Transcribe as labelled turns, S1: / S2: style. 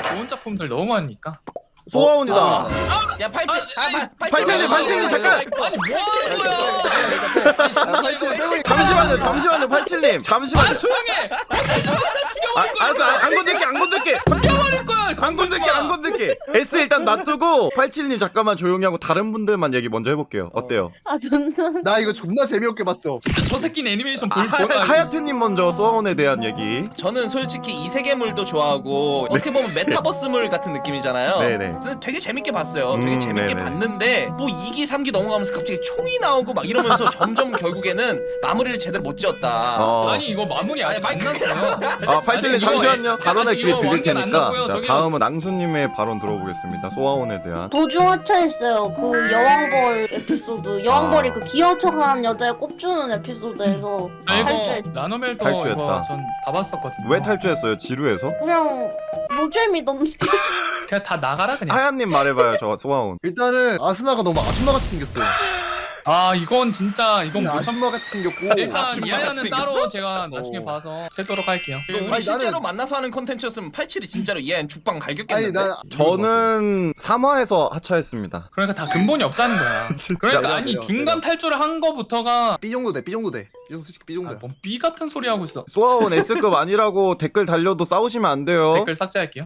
S1: 좋은 작품들 너무 많으니까.
S2: 소아온이다.
S3: 야 87.
S2: 팔칠님, 잠깐.
S1: 아니 뭐 하는 거야?
S2: 잠시만요 87님 잠시만요.
S1: 조용해.
S2: 알았어 안 건들게
S1: 죽여버릴 거야.
S2: 안 건들게. S 일단 놔두고 87님 잠깐만 조용히 하고 다른 분들만 얘기 먼저 해볼게요. 어때요?
S4: 아 존나.
S5: 나 이거 존나 재미없게 봤어.
S1: 진짜 저 새끼는 애니메이션 볼 거야.
S2: 하야트님 먼저 소아온에 대한 얘기.
S3: 저는 솔직히 이세계물도 좋아하고 어떻게 보면 메타버스물 같은 느낌이잖아요.
S2: 네네.
S3: 근데 되게 재밌게 봤어요. 되게 재밌게
S2: 네네.
S3: 봤는데 뭐 2기 3기 넘어가면서 갑자기 총이 나오고 막 이러면서 점점 결국에는 마무리를 제대로 못 지었다.
S1: 아니 이거 마무리 아직 안 났어요.
S2: 87님 잠시만요. 발언의 기회 드릴
S1: 완전 안
S2: 테니까.
S1: 나고요.
S2: 자,
S1: 저기요.
S2: 다음은 앙수님의 발언 들어보겠습니다. 소아온에 대한.
S4: 도중 하차했어요. 그 여왕벌 에피소드. 여왕벌이 그 기어 척하는 여자에 꼽주는 에피소드에서
S1: 아, 이거
S4: 탈주했어.
S1: 라노멜도
S2: 탈주했다.
S1: 이거 전 다 봤었거든요.
S2: 왜 탈주했어요? 지루해서?
S4: 그냥 노잼이던데.
S1: 그냥 다 나가라 그냥.
S2: 하야님 말해봐요. 저 소아온.
S5: 일단은 아스나가 너무 아줌마같이 생겼어요.
S1: 아 이건 진짜 이건 못 참.
S5: 아줌마같이 생겼고.
S1: 일단
S3: 아줌마
S1: 이하야는
S3: 같이
S1: 따로
S3: 생겼어?
S1: 제가 나중에 봐서 하도록 할게요.
S3: 이거 우리
S5: 아니,
S3: 실제로
S5: 나는-
S3: 만나서 하는 컨텐츠였으면 87이 진짜로 얘는 죽방
S5: 아니
S3: 갈겼겠는데.
S5: 나
S2: 저는 3화에서 하차했습니다.
S1: 그러니까 다 근본이 없다는 거야. 그러니까
S5: 내가,
S1: 아니
S5: 내가,
S1: 중간 탈주를 한 거부터가
S5: B 정도 돼. B 정도 돼. 이거 솔직히 B 정도야.
S1: 뭔 B 같은 소리 하고 있어.
S2: 소아온 S급 아니라고 댓글 달려도 싸우시면 안 돼요.
S1: 댓글 삭제할게요.